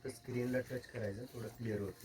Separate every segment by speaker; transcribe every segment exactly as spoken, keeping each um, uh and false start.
Speaker 1: फक्त स्क्रीनला टच करायचं, थोडं क्लिअर होतं.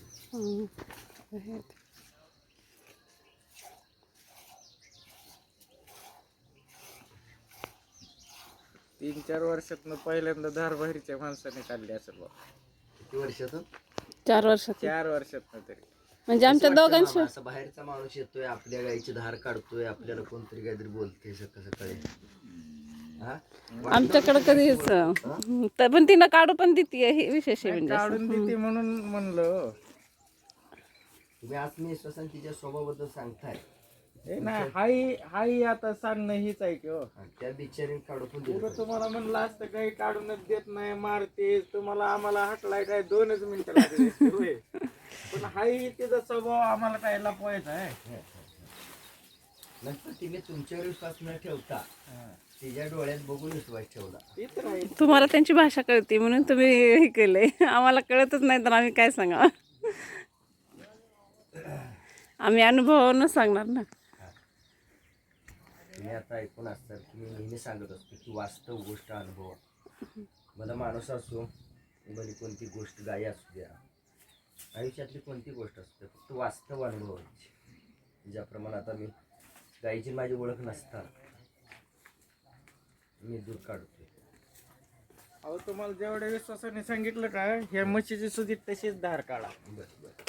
Speaker 2: तीन चार वर्षातनं पहिल्यांदा धार बाहेरच्या माणसाने काढली असेल बा.
Speaker 1: किती वर्षातून?
Speaker 3: चार वर्षात
Speaker 2: चार वर्षातनं तरी.
Speaker 3: म्हणजे आमच्या
Speaker 1: कसं वाटतं
Speaker 3: दोघांशी
Speaker 1: मामा, असं बाहेरचा माणूस येतोय, आपल्या गाईची धार काढतोय, आपल्याला कोणतरी काहीतरी बोलते सकाळ सकाळी. हा?
Speaker 3: आमच्याकडे कधीच तर पण तिनं काढू पण देते, हे विशेष आहे म्हणजे असं.
Speaker 2: काढून देते म्हणून म्हणलं.
Speaker 1: तुम्ही आत्मविश्वासाने तिच्या स्वभावाबद्दल सांगताय.
Speaker 2: हे नाही, हाही हाही आता सांगणं हीच आहे की हो.
Speaker 1: आणि त्या बिचारीने काढू पण
Speaker 2: पुढं
Speaker 1: दिलं.
Speaker 2: तुम्हाला म्हणलं असतं काही काढूनच देत नाही, मारते तुम्हाला, आम्हाला हटलाय काय दोनच मिनिटं लागली असती होय. पण हाही तिचा स्वभाव आम्हाला काय लपवायचा आहे.
Speaker 1: नंतर तिने तुमच्यावर विश्वास न ठेवता तिच्या डोळ्यात बघून विश्वास ठेवला.
Speaker 2: ते तर आहे.
Speaker 3: तुम्हाला त्यांची भाषा कळते म्हणून तुम्ही हे केलंय, आम्हाला कळतच नाही तर आम्ही काय सांगा. आम्ही अनुभवावरून सांगणार ना.
Speaker 1: तुम्ही आता ऐकून असतात की मी नेहमी सांगत असतो की वास्तव गोष्ट अनुभव. मला माणूस असो, भली कोणती गोष्ट, गायी असू द्या, आयुष्यातली कोणती गोष्ट असू द्या, फक्त वास्तव अनुभवायची. ज्याप्रमाणे आता मी गायीची माझी ओळख नसताना मी दूध काढतोय.
Speaker 2: अहो तुम्हाला जेवढ्या विश्वासाने सांगितलं का, ह्या म्हशीची सुधी तशीच धार काढा.
Speaker 1: बस बस